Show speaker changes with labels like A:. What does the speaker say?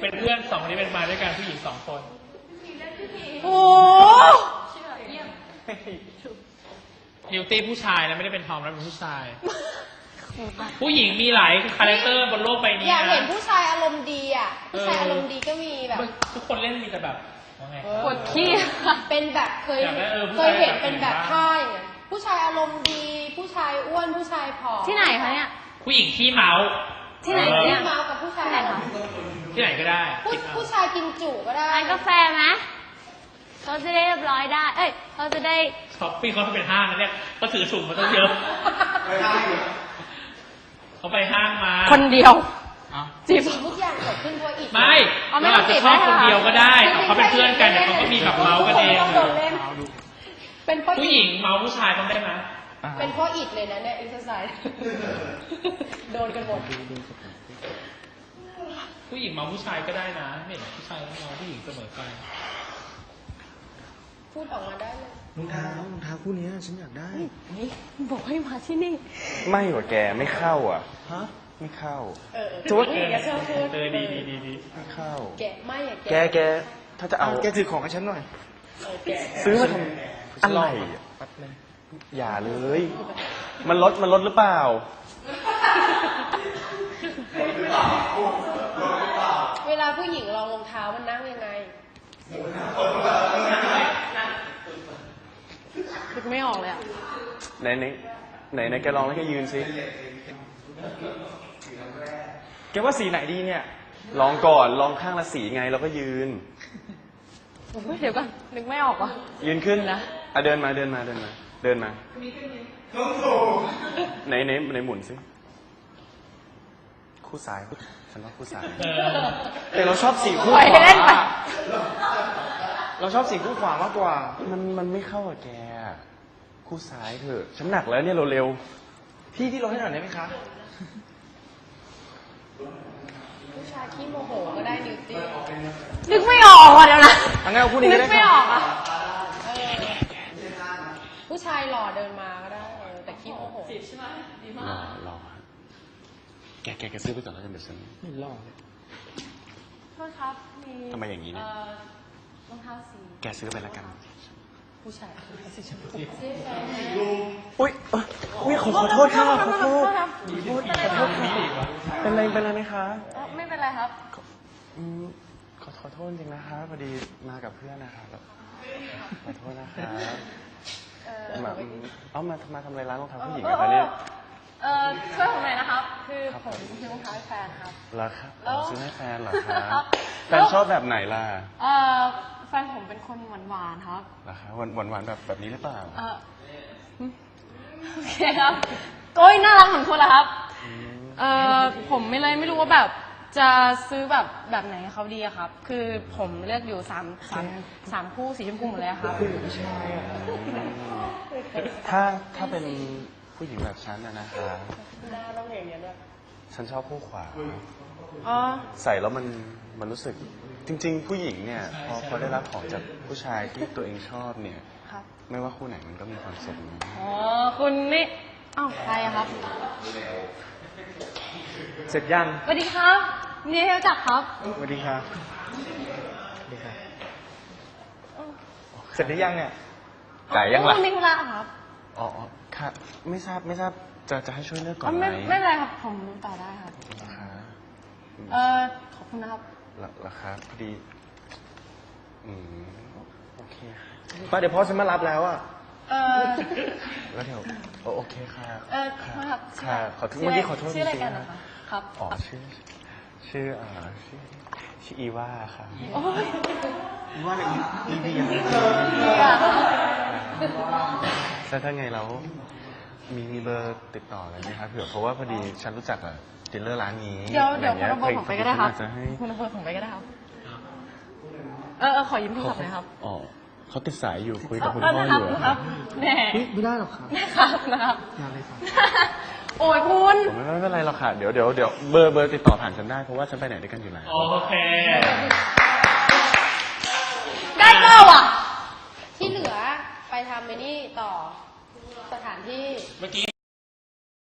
A: เป็นเพื่อน2 คนนี้เป็นมาด้วยกันผู้หญิง2 คน
B: โอ้
A: นิวตี้ผู้ชายนะไม่ได้เป็นทอมนะเป็นผู้ชาย ผู้หญิงมีหลายคาแรคเตอร์บนโลกใบนี้นะ
B: อยากเห็นผู้ชายอารมณ์ดีอ่ะผู้ชายอารมณ์ดีก็มีแบบ
A: ทุกคนเล่นมีแต่แบบ
B: ปวดขี้เป็นแบบเคยเห็นเป็นแบบท่าอย่างเงี้ยผู้ชายอารมณ์ดีผู้ชายอ้วนผู้ชายผอม
C: ที่ไหนคะเนี่ย
A: ผู้หญิงขี้เมา
C: ที่ไหนเนี่ย
B: เมากับผู้ชาย
A: ที่ไหนก็ได้
B: ผู้ชายกินจุก็ได้
C: ร้านกาแฟไหมเขาจะได้เรียบร้อยได้เขาจะได้
A: ช้อปปิ้งเขาเป็นห้างนะเนี่ยเขาถือถุงมาต้องเยอะเขาไปห้างมา
C: คนเดียว
B: จีบทุกอย่างเกิดขึ้นเพราะอิด
A: ไม่เราอาจจะชอบคนเดียวก็ได้เขาเป็นเพื่อนกันเนี่ยเขาก็มีแบบเมากันเอง
B: เป็น
A: ผู้หญิงเมาผู้ชายต้องได้ไหม
B: เป็นเพราะอิดเลยนะเนี่ยเอ็กซ์ไซส์โดนกันหมด
A: ผู้หญิงเมาผู้ชายก็ได้นะไม่เห็นผู้ชายเมาผู้หญิงเสมอไป
B: พูดออกมาได้เลย
D: รองเท้าคู่นี้ฉันอยากได้
C: บอกให้มาที่นี่
D: ไม่หรอแกไม่เข้าอ่ะฮะไม่เข้า
B: จุดแกชอบพูด
A: ดี
D: ไม่เข้า
B: แกไม่อะ
D: แกถ้าจะเอาแกถือของให้ฉันหน่อยซื้อมาทำอะไรอย่าเลยมันลดหรือเปล่า
B: เวลาผู้หญิงลองรองเท้ามันนั่งยังไง
C: นึกไม่ออกเลยอ่ะ
D: ไหนแกลองแล้วแกยืนสิแกว่าสีไหนดีเนี่ยลองก่อนลองข้างละสีไงแล้วก็ยืน
C: เดี๋ยวก่อนนึกไม่ออกว่ะ
D: ยืนขึ้นนะเดินมาไหนหมุนสิคู่ซ้ายฉันว่าคู่ซ้ายแต่เราชอบสีคู่ขวาเราชอบสีคู่ขวามากกว่ามันไม่เข้ากับแกคู่ซ้ายเถอะฉันหนักแล้วเนี่ยเร็วพี่ลงให้หน่อยได้ไหมคะ
B: ผู้ชายขี้โมโหก็ได้นิวตี้
C: นึกไม่ออกอ่ะเดี๋ยวนะ
D: งั้นเอาคู่นี้ก็ได้
C: นึกไม่ออกอ่ะ
B: ผู้ชายหล่อเดินมาก็ได้แต่ขี้โมโห
C: จีบใช่ไหมดีมาก
D: หล่อแกซื้อไปก่อนแล้วกันเดี๋ยวฉัน
A: ไม่หล่อ
C: โทษครับมี
D: ทำไมอย่างนี้เนี่ย
C: รองเท้าสี
D: แกซื้อไปแล้วกัน
B: ผู้ชายสีชมพู
D: อุ้ยขอโทษค่ะขอโทษค่ะเป็นไรไหมคะ
C: ไม่เป็นไรครับ
D: ขอโทษจริงนะคะพอดีมากับเพื่อนนะคะขอโทษนะคะมาทำอะไรร้านรองเท้าผู้หญิงนะคะเนี่ย
C: ช่วยผมหน่อยนะครับคือผมซื้อรองเท้าให้แฟนครับ
D: เหรอครับซื้อให้แฟนเหรอครับแฟนชอบแบบไหนล่ะ
C: แฟนผมเป็นคนหวานครับ
D: เหรอครับหวานแบบนี้หรือเปล่า
C: โอเคครับก้อยน่ารักเหมือนคุณเหรอครับผมไม่รู้ว่าแบบจะซื้อแบบไหนเขาดีครับคือผมเลือกอยู่3คู่สีชมพูหมดเลยครับ
D: ถ้าเป็นผู้หญิงแบบฉันนะคะ
B: หน้าต้องอย่างนี้ด้วย
D: ฉันชอบคู่ขวาใส่แล้วมันรู้สึกจริงๆผู้หญิงเนี่ยพอได้รับของจากผู้ชายที่ตัวเองชอบเนี่ยไม่ว่าคู่ไหนมันก็มีความสุขนะ
C: คุณนี่ใครครับ
D: เสร็จยัง
C: สวัสดีครับนี่ให้รู้จักครับ
D: สวัสดีครับเสร็จหรือยังเนี่ยจ่ายยังล่ะ
C: ไม่เป็นไรครับ
D: ค่ะไม่ทราบจะให้ช่วยเลือกก่อนไหม
C: ไม่เป็นไรครับผมต่อได้ครับขอบคุณนะครับ
D: ราคาพอดีโอเคป้าเดี๋ยวพ่อฉันมารับแล้วอ่ะแล้วเดี๋ยวโอเคค่ะค่ะขอโทษเมื่อกี้ขอโทษจริงๆ
C: นะครับ
D: ชื่ออีว่าค่ะอีว่าอะไรอีวีแล้วถ้าไงเรามีเบอร์ติดต่ออะไรไหมครับเผื่อเพราะว่าพอดีฉันรู้จักกับดีลเลอร์ร้านนี้
C: เดี๋ยวคุณเอาเบอร์ผมไปก็ได้ครับคุณเอาเบอร์ผมไปก็ได้ครับขอยืมโทรศัพท์หน่อยครับ
D: เขาติดสายอยู่คุยกับคุณพ่ออยู่
C: ครับแน่
D: ไม่ได้หรอกครับ
C: นะครับ
D: งานอะไรครับ
C: โอ้ยคุณ
D: ไม่เป็นไรหรอกค่ะเดี๋ยวเบอร์ติดต่อผ่านฉันได้เพราะว่าฉันไปไหนด้วยกันอยู่แล้ว
A: โอเค
C: ได้เก้าอ่ะ
B: ที่เหลือไปทำไปนี่ต่อสถานที่
A: เมื่อกี้